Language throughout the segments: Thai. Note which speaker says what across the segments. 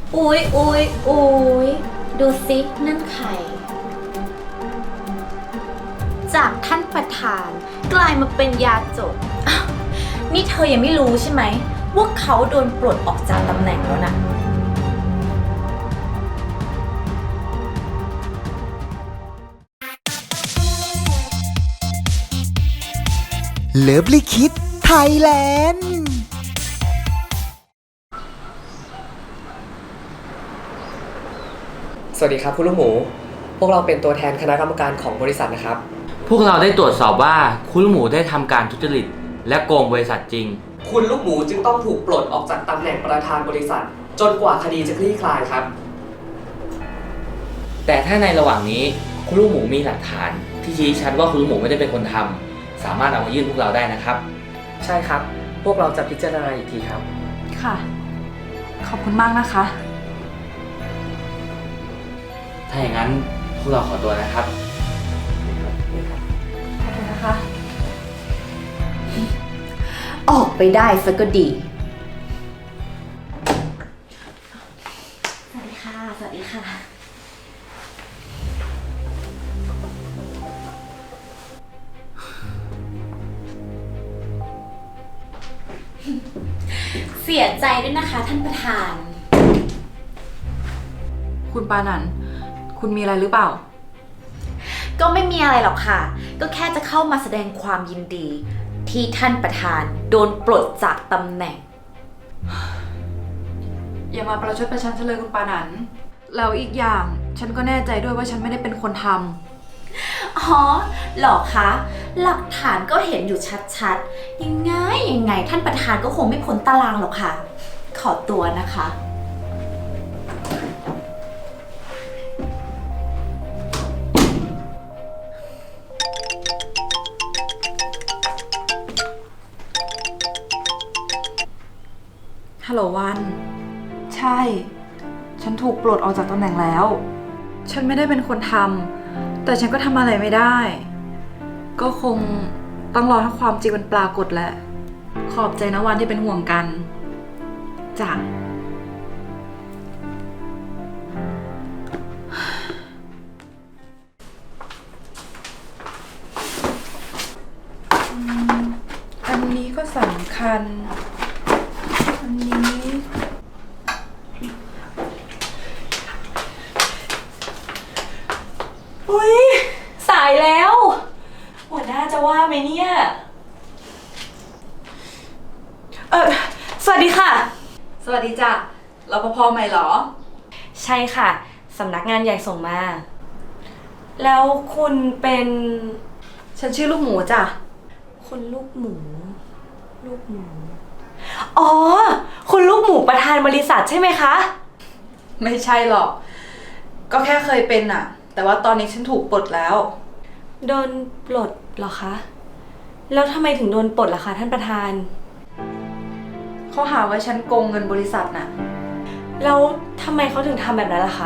Speaker 1: อุ๊ยอุ๊ยอุ๊ยดูสินั่นใครจากท่านประธานกลายมาเป็นยาจกอ้าวนี่เธอยังไม่รู้ใช่ไหมว่าเขาโดนปลดออกจากตำแหน่งแล้วนะ
Speaker 2: เลิฟลิคิดไทยแลนด์
Speaker 3: สวัสดีครับคุณลูกหมู พวกเราเป็นตัวแทนคณะกรรมการของบริษัทนะครับ
Speaker 4: พวกเราได้ตรวจสอบว่าคุณลูกหมูได้ทำการทุจริตและโกงบริษัทจริง
Speaker 3: คุณลูกหมูจึงต้องถูกปลดออกจากตำแหน่งประธานบริษัท จนกว่าคดีจะคลี่คลายครับ
Speaker 4: แต่ถ้าในระหว่างนี้คุณลูกหมูมีหลักฐานที่ชี้ชัดว่าคุณลูกหมูไม่ได้เป็นคนทำสามารถเอามายื่นพวกเราได้นะครับ
Speaker 3: ใช่ครับ พวกเราจะพิจารณาอีกทีครับ
Speaker 5: ค่ะ ขอบคุณมากนะคะ
Speaker 4: ถ้าอย่างนั้นพวกเราขอตัวนะครับ
Speaker 5: ขอบคุณนะคะ
Speaker 1: ออกไปได้ซะก็ดีสวัสดีค่ะสวัสดีค่ะเสียใจด้วยนะคะท่านประธาน
Speaker 5: คุณปานันท์คุณมีอะไรหรือเปล่า
Speaker 1: ก็ไม่มีอะไรหรอกค่ะ ก็แค่จะเข้ามาแสดงความยินดี ที่ท่านประธานโดนปลดจากตำแหน่ง
Speaker 5: อย่ามาประชดประชันฉันเลยคุณปานันท์แล้วอีกอย่างฉันก็แน่ใจด้วยว่าฉันไม่ได้เป็นคนทำ
Speaker 1: อ๋อเหรอคะ หลักฐานก็เห็นอยู่ชัดๆ ยังไงท่านประธานก็คงไม่พ้นตารางหรอกค่ะ ขอตัวนะคะ
Speaker 5: ฮัลโหลวัน ใช่ ฉันถูกปลดออกจากตำแหน่งแล้ว ฉันไม่ได้เป็นคนทำแต่ฉันก็ทำอะไรไม่ได้ ก็คงต้องรอให้ความจริงมันปรากฏแหละ ขอบใจนะวันที่เป็นห่วงกันจ้ะอันนี้ก็สำคัญ อันนี้
Speaker 6: อุ๊ยสายแล้ว หัวหน้าจะว่าไหมเนี่ย สวัสดีค่ะ
Speaker 5: สวัสดีจ้ะรปภใหม่เหรอ
Speaker 6: ใช่ค่ะ สำนักงานใหญ่ส่งมา แล้วคุณเป็น
Speaker 5: ฉันชื่อลูกหมูจ้ะ
Speaker 6: คุณลูกหมู ลูกหมู อ๋อ คุณลูกหมูประธานบริษัทใช่ไหมคะ
Speaker 5: ไม่ใช่หรอก ก็แค่เคยเป็นอะแต่ว่าตอนนี้ฉันถูกปลดแล้ว
Speaker 6: โดนปลดเหรอคะ แล้วทำไมถึงโดนปลดล่ะคะท่านประธาน
Speaker 5: เขาหาว่าฉันโกงเงินบริษัทน่ะ
Speaker 6: แล้วทำไมเขาถึงทำแบบนั้นล่ะคะ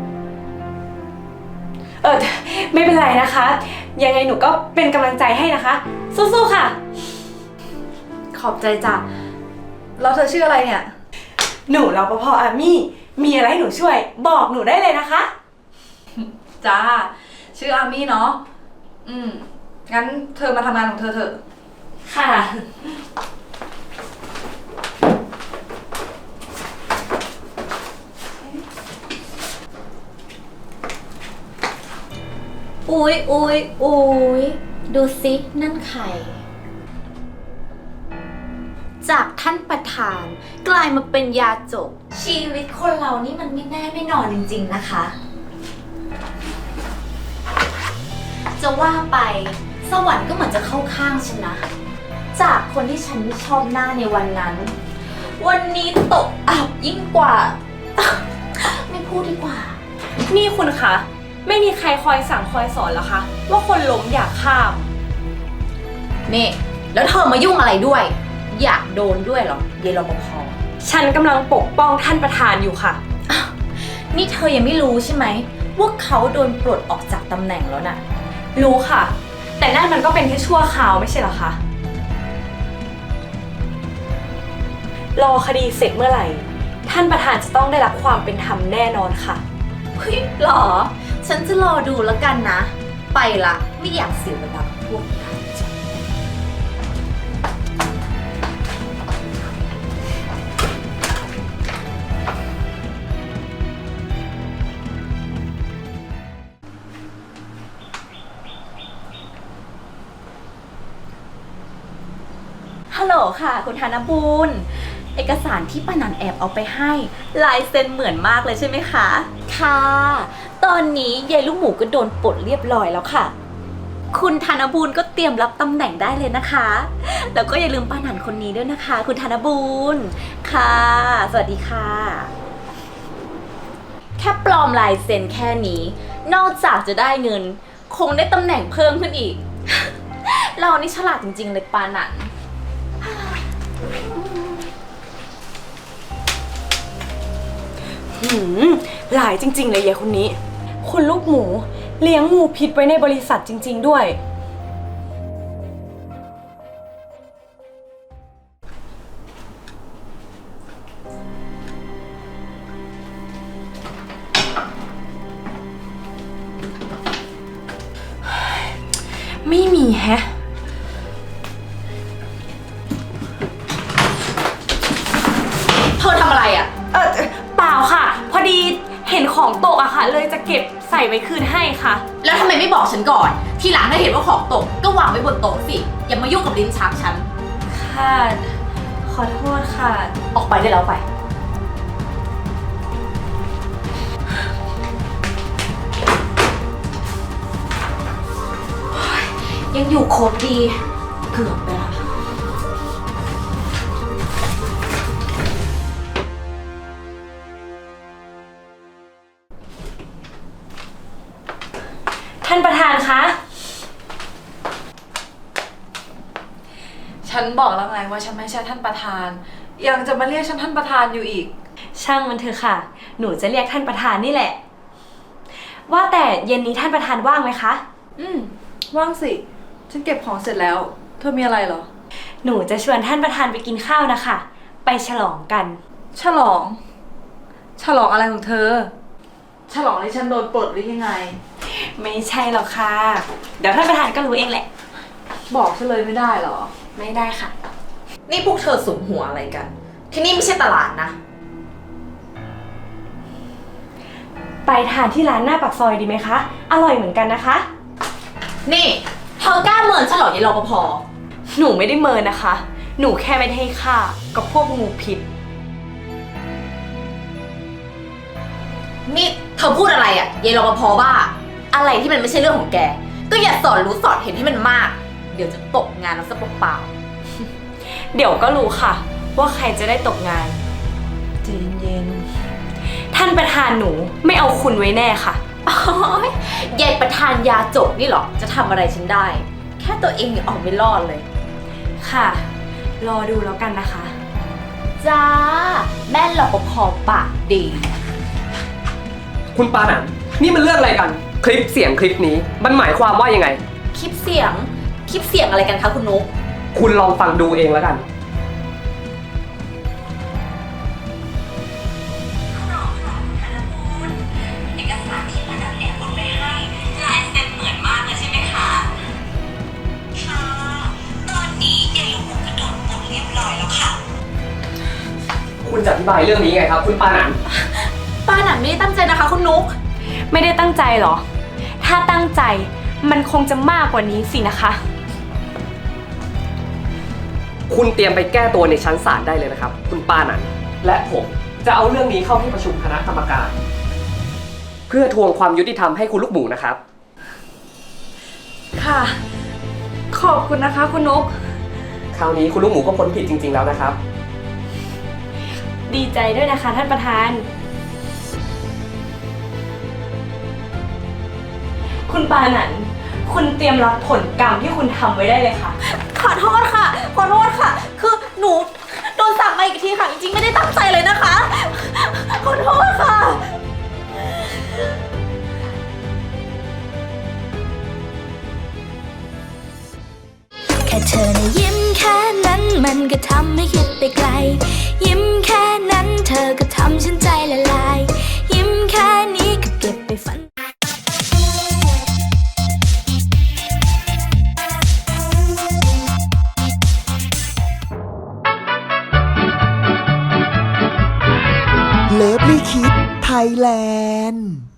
Speaker 6: ไม่เป็นไรนะคะ ยังไงหนูก็เป็นกำลังใจให้นะคะ สู้ๆค่ะ
Speaker 5: ขอบใจจ้ะ แล้วเธอชื่ออะไรเนี่ย
Speaker 6: หนูรปภอามี่ มีอะไรให้หนูช่วย บอกหนูได้เลยนะคะ
Speaker 5: จ้า ชื่ออามี่เนาะ งั้นเธอมาทำงานของเธอเถอะ
Speaker 6: ค่ะ
Speaker 1: อุ๊ยอุ๊ยอุ๊ยดูสินั่นใครจากท่านประธานกลายมาเป็นยาจก ชีวิตคนเรานี่มันไม่แน่ไม่นอนจริงๆนะคะ จะว่าไปสวรรค์ก็เหมือนจะเข้าข้างฉันนะ จากคนที่ฉันไม่ชอบหน้าในวันนั้น วันนี้ตกอับยิ่งกว่า ไม่พูดดีกว่า
Speaker 6: นี่คุณคะ ไม่มีใครคอยสั่งคอยสอนเหรอคะ ว่าคนล้มอยากข้าม
Speaker 1: นี่แล้วเธอมายุ่งอะไรด้วย อยากโดนด้วยเหรอเยายรปภ
Speaker 6: ฉันกำลังปกป้องท่านประธานอยู่ค่ะ
Speaker 1: นี่เธอยังไม่รู้ใช่ไหมว่าเขาโดนปลดออกจากตำแหน่งแล้วน่ะ
Speaker 6: รู้ค่ะ แต่นั่นมันก็เป็นแค่ชั่วคราวไม่ใช่เหรอคะ รอคดีเสร็จเมื่อไหร่ท่านประธานจะต้องได้รับความเป็นธรรมแน่นอนค่ะ
Speaker 1: เฮ้ยหรอ ฉันจะรอดูแล้วกันนะ ไปละไม่อยากเสียเวลากับพวกนั้น ฮัลโหลค่ะ คุณธนบูรณ์เอกสารที่ป้านันแอบเอาไปให้ลายเซ็นเหมือนมากเลยใช่ไหมคะ ค่ะ ตอนนี้ยายลูกหมูก็โดนปลดเรียบร้อยแล้วค่ะ คุณธนบูรณ์ก็เตรียมรับตำแหน่งได้เลยนะคะ แล้วก็อย่าลืมป้านันคนนี้ด้วยนะคะ คุณธนบูรณ์ค่ะ สวัสดีค่ะ แค่ปลอมลายเซ็นแค่นี้ นอกจากจะได้เงิน คงได้ตำแหน่งเพิ่มขึ้นอีก เรานี่ฉลาดจริงๆเลยป้านัน
Speaker 6: หลายจริงๆเลยยายคนนี้ คุณลูกหมูเลี้ยงงูพิษไว้ในบริษัทจริงๆด้วย ไม่มีแฮะ
Speaker 1: เธอทำอะไรอ่ะ
Speaker 6: เปล่าค่ะ พอดีเห็นของตกอะค่ะ เลยจะเก็บใส่ไว้คืนให้ค่ะ
Speaker 1: แล้วทำไมไม่บอกฉันก่อน ทีหลังถ้าเห็นว่าของตกก็วางไว้บนโต๊ะสิ อย่ามายุ่งกับลิ้นชักฉัน
Speaker 6: ค่ะ ขอโทษค่ะ
Speaker 1: ออกไปได้แล้วไป ยังอยู่ครบดี เกือบไปละ
Speaker 6: ท่านประธานคะ
Speaker 5: ฉันบอกแล้วไงว่าฉันไม่ใช่ท่านประธาน ยังจะมาเรียกฉันท่านประธานอยู่อีก
Speaker 6: ช่างมันเถอะค่ะ หนูจะเรียกท่านประธานนี่แหละ ว่าแต่เย็นนี้ท่านประธานว่างไหมคะ
Speaker 5: ว่างสิ ฉันเก็บของเสร็จแล้ว เธอมีอะไรเหรอ
Speaker 6: หนูจะชวนท่านประธานไปกินข้าวนะคะ ไปฉลองกัน
Speaker 5: ฉลอง ฉลองอะไรของเธอ ฉลองที่ฉันโดนปลดหรือยังไง
Speaker 6: ไม่ใช่หรอกค่ะ เดี๋ยวท่านประธานก็รู้เองแหละ
Speaker 5: บอกฉันเลยไม่ได้เหรอ
Speaker 6: ไม่ได้ค่ะ
Speaker 1: นี่พวกเธอสุมหัวอะไรกัน ที่นี่ไม่ใช่ตลาดนะ
Speaker 6: ไปทานที่ร้านหน้าปากซอยดีไหมคะ อร่อยเหมือนกันนะคะ
Speaker 1: นี่เธอกล้าเมินฉันเหรอยายรปภ
Speaker 6: หนูไม่ได้เมินนะคะ หนูแค่ไม่ได้ให้ค่ากับพวกงูพิษ
Speaker 1: นี่เธอพูดอะไรอ่ะยายรปภบ้า อะไรที่มันไม่ใช่เรื่องของแก ก็อย่าสอนรู้สอนเห็นให้มันมาก เดี๋ยวจะตกงานแล้วซะเปล่า
Speaker 6: เดี๋ยวก็รู้ค่ะ ว่าใครจะได้ตกงาน
Speaker 5: ใจเย็น
Speaker 6: ท่านประธานหนูไม่เอาคุณไว้แน่ค่ะ
Speaker 1: ๆ อ๋อยายประธานยาจกนี่เหรอ จะทำอะไรฉันได้ แค่ตัวเองยังออกไม่รอดเลย
Speaker 6: ค่ะ รอดูแล้วกันนะคะ
Speaker 1: จ้า แม่รปภปากดี
Speaker 3: คุณปานันนี่มันเรื่องอะไรกัน คลิปเสียงคลิปนี้มันหมายความว่ายังไง
Speaker 1: คลิปเสียงอะไรกันคะคุณนุ๊ก
Speaker 3: คุณลองฟังดูเองแล้วกัน
Speaker 7: เอกสารที่ป้านันแอบเอาไปให้ลายเซ็นเหมือนมากเลยใช่ไหมคะค่ะตอนนี้ยายลูกหมูก็โดนปลดเรียบร้อยแล้วค่ะ
Speaker 3: คุณจะอธิบายเรื่องนี้ไงครับ คุณปานัน
Speaker 1: ป้าหนันไม่ได้ตั้งใจนะคะคุณนุ๊ก
Speaker 6: ไม่ได้ตั้งใจเหรอ ถ้าตั้งใจมันคงจะมากกว่านี้สินะคะ
Speaker 3: คุณเตรียมไปแก้ตัวในชั้นศาลได้เลยนะครับ คุณปานันและผมจะเอาเรื่องนี้เข้าที่ประชุมคณะกรรมการ เพื่อทวงความยุติธรรมให้คุณลูกหมูนะครับ
Speaker 5: ค่ะ ขอบคุณนะคะคุณนก
Speaker 3: คราวนี้คุณลูกหมูก็พ้นผิดจริง ๆแล้วนะครับ
Speaker 6: ดีใจด้วยนะคะท่านประธาน คุณปานันคุณเตรียมรับผลกรรมที่คุณทำไว้ได้เลยค่ะ
Speaker 1: ขอโทษค่ะ ขอโทษค่ะ คือหนูโดนสั่งมาอีกทีค่ะ จริงๆไม่ได้ตั้งใจเลยนะคะ ขอโทษค่ะ
Speaker 7: แค่เธอนะยิ้มแค่นั้นมันก็ทำให้คิดไปไกล ยิ้มแค่นั้นเธอก็ท
Speaker 2: ไทยแลนด์